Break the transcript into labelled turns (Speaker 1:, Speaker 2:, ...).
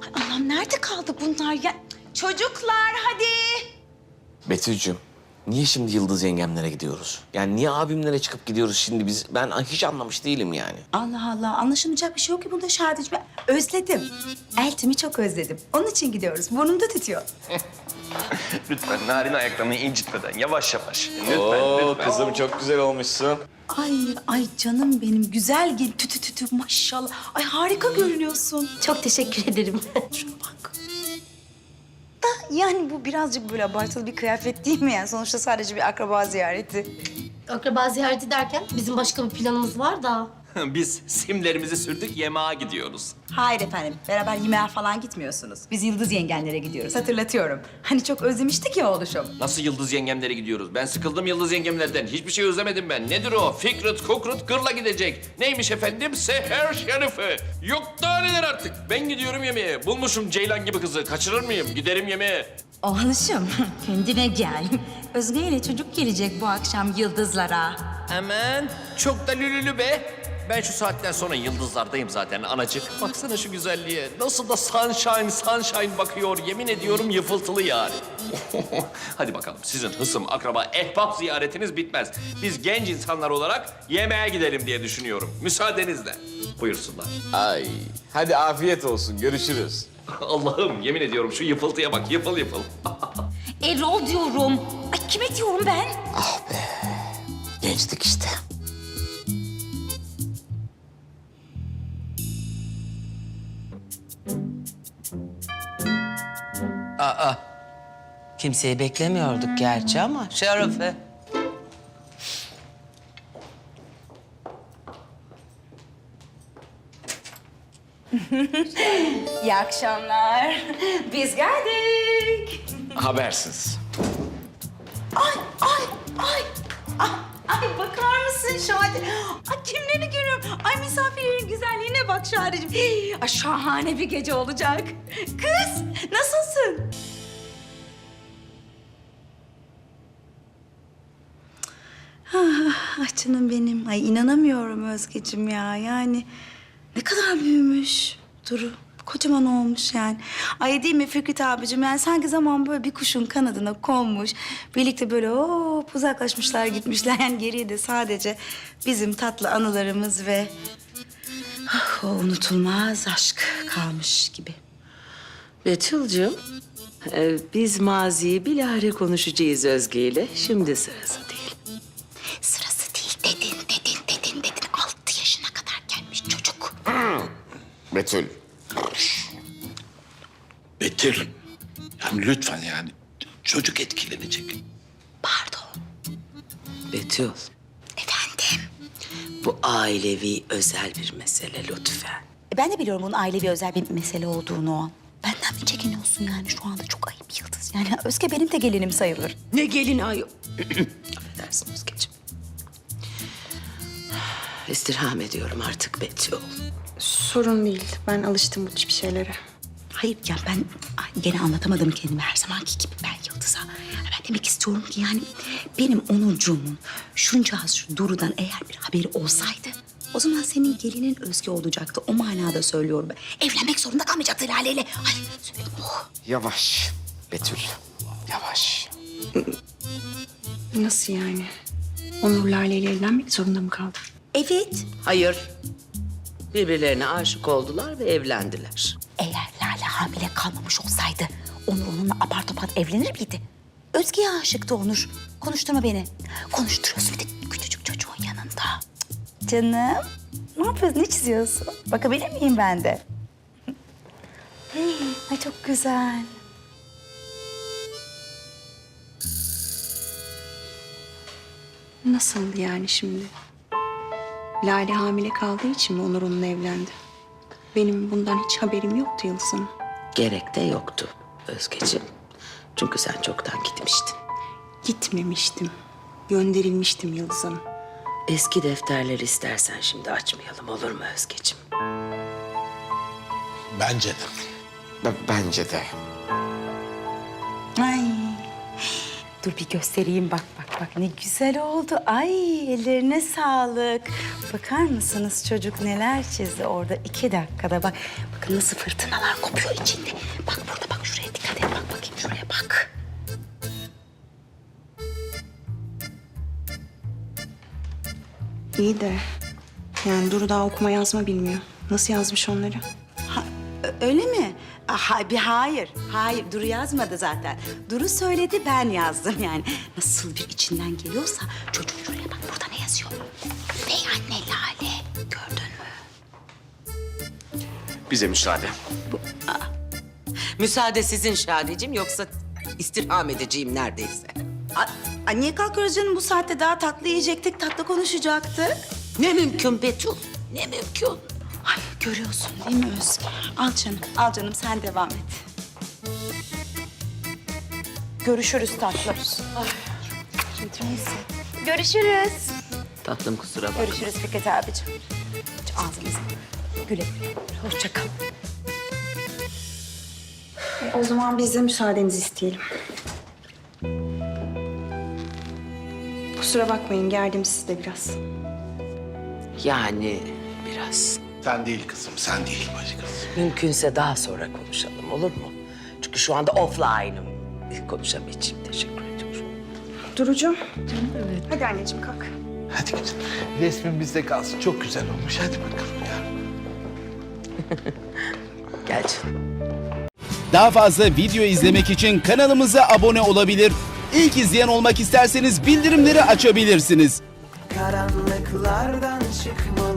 Speaker 1: Allah'ım nerede kaldı bunlar ya? Çocuklar hadi.
Speaker 2: Betül'cüm, niye şimdi Yıldız yengemlere gidiyoruz? Yani niye abimlere çıkıp gidiyoruz şimdi biz? Ben hiç anlamış değilim yani.
Speaker 1: Allah Allah anlaşılmayacak bir şey yok ki bunda Şadiç. Ben özledim. Eltimi çok özledim. Onun için gidiyoruz. Burnumda tütüyor.
Speaker 3: Lütfen narin ayaklarını incitmeden yavaş yavaş. Lütfen.
Speaker 2: Kızım çok güzel olmuşsun.
Speaker 1: Ay canım benim güzel gel tütü tütü maşallah. Ay harika görünüyorsun.
Speaker 4: Çok teşekkür ederim.
Speaker 1: Şuna bak. Da yani bu birazcık böyle abartılı bir kıyafet değil mi yani? Sonuçta sadece bir akraba ziyareti.
Speaker 4: Akraba ziyareti derken bizim başka bir planımız var da.
Speaker 3: Biz simlerimizi sürdük, yemeğe gidiyoruz.
Speaker 1: Hayır efendim, beraber yemeğe falan gitmiyorsunuz. Biz Yıldız yengenlere gidiyoruz, hatırlatıyorum. Hani çok özlemiştik ya oğluşum.
Speaker 3: Nasıl Yıldız yengemlere gidiyoruz? Ben sıkıldım Yıldız yengemlerden. Hiçbir şey özlemedim ben. Nedir o? Fikret, Kukrut, Gırla gidecek. Neymiş efendim? Seher Şerife. Yok daha neler artık. Ben gidiyorum yemeğe. Bulmuşum Ceylan gibi kızı. Kaçırır mıyım? Giderim yemeğe.
Speaker 1: Oğluşum, kendine gel. Özge ile çocuk gelecek bu akşam Yıldızlara.
Speaker 3: Hemen. Çok da lülülü be. Ben şu saatten sonra yıldızlardayım zaten anacık. Baksana şu güzelliğe. Nasıl da sunshine bakıyor. Yemin ediyorum yıfıltılı yani. Hadi bakalım sizin hısım, akraba, ehbap ziyaretiniz bitmez. Biz genç insanlar olarak yemeğe gidelim diye düşünüyorum. Müsaadenizle. Buyursunlar.
Speaker 2: Ay, hadi afiyet olsun, görüşürüz.
Speaker 3: Allah'ım yemin ediyorum şu yıfıltıya bak, yıfıl yıfıl.
Speaker 1: Erol diyorum. Ay kime diyorum ben?
Speaker 2: Gençlik işte.
Speaker 5: Kimseyi beklemiyorduk gerçi ama Şerefe.
Speaker 1: İyi akşamlar. Biz geldik.
Speaker 2: Habersiz.
Speaker 1: Ay. Ay bakar mısın Şadi? Ay kimleri görüyorum? Ay misafirlerin güzelliğine bak Şadi'cim. Ay şahane bir gece olacak. Kız nasılsın? Ah canım benim. Ay inanamıyorum Özgeciğim ya. Yani ne kadar büyümüş Duru. Kocaman olmuş yani. Ay değil mi Fikret abicim? Yani sanki zaman böyle bir kuşun kanadına konmuş. Birlikte böyle hop uzaklaşmışlar gitmişler. Yani geriye de sadece bizim tatlı anılarımız ve o unutulmaz aşk kalmış gibi.
Speaker 5: Betül'cüğüm, biz maziyi bilahare konuşacağız Özge ile. Şimdi sırası değil.
Speaker 1: Sırası değil dedin. 6 yaşına kadar gelmiş çocuk.
Speaker 2: Betül.
Speaker 6: Betül, yani lütfen yani çocuk etkilenecek.
Speaker 1: Pardon.
Speaker 5: Betül,
Speaker 1: Efendim?
Speaker 5: bu ailevi özel bir mesele lütfen.
Speaker 1: Ben de biliyorum bunun ailevi özel bir mesele olduğunu o an. Benden mi çekiniyorsun yani şu anda çok ayıp Yıldız. Yani Özge benim de gelinim sayılır.
Speaker 5: Ne gelin ay... Affedersin Özgeciğim. İstirham ediyorum artık Betül.
Speaker 7: Sorun değil. Ben alıştım bu tip şeylere.
Speaker 1: Hayır ya ben gene anlatamadım kendimi her zamanki gibi ben Yıldız'a. Ben demek istiyorum ki yani benim Onurcuğumun şuncağız şu Duru'dan eğer bir haberi olsaydı o zaman senin gelinin Özge olacaktı. O manada söylüyorum ben. Evlenmek zorunda kalmayacaktı Lale'yle. Ay söyledim oh.
Speaker 2: Yavaş Betül, yavaş.
Speaker 7: Nasıl yani? Onur Lale ile evlenmek zorunda mı kaldı?
Speaker 1: Evet.
Speaker 5: Hayır. Birbirlerine aşık oldular ve evlendiler.
Speaker 1: Eğer Lale hamile kalmamış olsaydı Onur onunla apar topar evlenir miydi? Özge'ye aşıktı Onur. Konuşturma beni. Konuşturuyorsun bir de küçücük çocuğun yanında. Canım, ne yapıyorsun? Ne çiziyorsun? Bakabilir miyim ben de? Ay çok güzel.
Speaker 7: Nasıl yani şimdi? Lale hamile kaldığı için mi Onur onunla evlendi? Benim bundan hiç haberim yoktu Yıldız Hanım.
Speaker 5: Gerek de yoktu Özgeciğim. Çünkü sen çoktan gitmiştin.
Speaker 7: Gitmemiştim. Gönderilmiştim Yıldız Hanım.
Speaker 5: Eski defterleri istersen şimdi açmayalım olur mu Özgeciğim?
Speaker 6: Bence de.
Speaker 2: Bence de.
Speaker 1: Ay. Dur bir göstereyim bak. Bak ne güzel oldu. Ay ellerine sağlık. Bakar mısınız çocuk neler çizdi orada 2 dakikada. Bak bakın nasıl fırtınalar kopuyor içinde. Bak burada bak şuraya dikkat et. Bak bakayım şuraya bak.
Speaker 7: İyi de yani Duru daha okuma yazma bilmiyor. Nasıl yazmış onları?
Speaker 1: Öyle mi? Hayır. Hayır. Duru yazmadı zaten. Duru söyledi, ben yazdım yani. Nasıl bir içinden geliyorsa çocuk şuraya bak. Burada ne yazıyor? Bey anne Lale. Gördün mü?
Speaker 2: Bize müsaade.
Speaker 5: Müsaade sizin Şadeciğim, yoksa istirham edeceğim neredeyse.
Speaker 1: Ay, niye kalkıyoruz canım? Bu saatte daha tatlı yiyecektik, tatlı konuşacaktık.
Speaker 5: Ne mümkün Betül, ne mümkün.
Speaker 1: Ay görüyorsun değil mi Özge? Al canım sen devam et. Görüşürüz tatlım. Görüşürüz.
Speaker 5: Tatlım kusura bakma.
Speaker 1: Görüşürüz Fikret abicim. Ağzınıza güle güle. Hoşça kal.
Speaker 7: O zaman biz de müsaadenizi isteyelim. Kusura bakmayın, gerdim sizi de biraz.
Speaker 5: Yani biraz.
Speaker 6: Sen değil kızım, sen değil bacı kız.
Speaker 5: Mümkünse daha sonra konuşalım, olur mu? Çünkü şu anda offline'ım. Konuşamayacağım, teşekkür ediyorum.
Speaker 7: Durucuğum. Evet. Hadi anneciğim kalk.
Speaker 6: Hadi gidin. Resmin bizde kalsın. Çok güzel olmuş. Hadi bakalım ya.
Speaker 5: Gel canım.
Speaker 8: Daha fazla video izlemek için kanalımıza abone olabilir. İlk izleyen olmak isterseniz bildirimleri açabilirsiniz.
Speaker 9: Karanlıklardan çıkmalı